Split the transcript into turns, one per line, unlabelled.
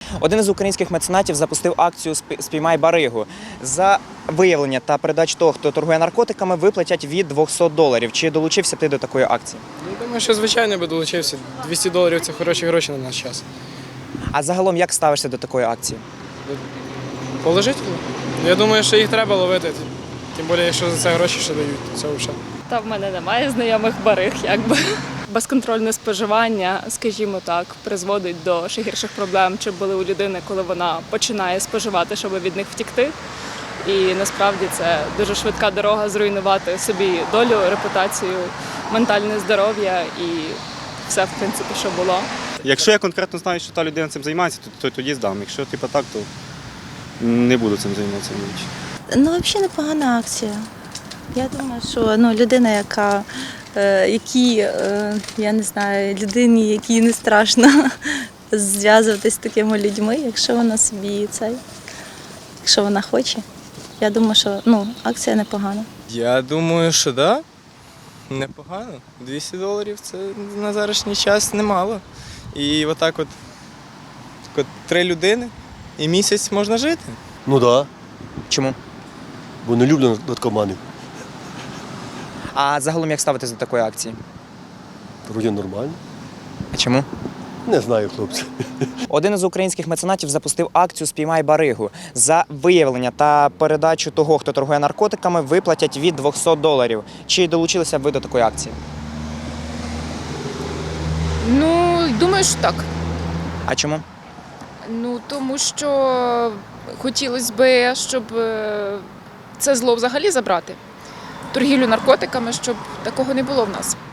Один із українських меценатів запустив акцію «Спіймай баригу». За виявлення та передачу того, хто торгує наркотиками, виплатять від $200. Чи долучився ти до такої акції?
Думаю, що звичайно би долучився. $200 – це хороші гроші на наш час.
А загалом як ставишся до такої акції?
Положительно. Я думаю, що їх треба ловити. Тим більше, якщо за це гроші ще дають, то це взагалі.
Та в мене немає знайомих бариг, якби. Безконтрольне споживання, скажімо так, призводить до ще гірших проблем, чи були у людини, коли вона починає споживати, щоб від них втікти. І насправді це дуже швидка дорога зруйнувати собі долю, репутацію, ментальне здоров'я і все, в принципі, що було.
Якщо я конкретно знаю, що та людина цим займається, то тоді здам. Якщо так, то не буду цим займатися.
Ну, взагалі непогана акція. Я думаю, що людина, я не знаю, людині, якій не страшно зв'язуватися з такими людьми, якщо вона собі якщо вона хоче. Я думаю, що акція непогана.
Я думаю, що так. Да. Непогано. $200 – це на зарашній час немало. І отак от 3 людини і місяць можна жити.
Ну так,
Чому?
бо не люблю наркоманів.
А загалом як ставитись до такої акції?
Вроді нормально.
А чому?
Не знаю, хлопці.
Один із українських меценатів запустив акцію «Спіймай баригу». За виявлення та передачу того, хто торгує наркотиками, виплатять від $200. Чи долучилися б ви до такої акції?
Ну, думаю, що так.
А чому?
Ну, тому що хотілося б, щоб це зло взагалі забрати. Торгівлю наркотиками, щоб такого не було в нас.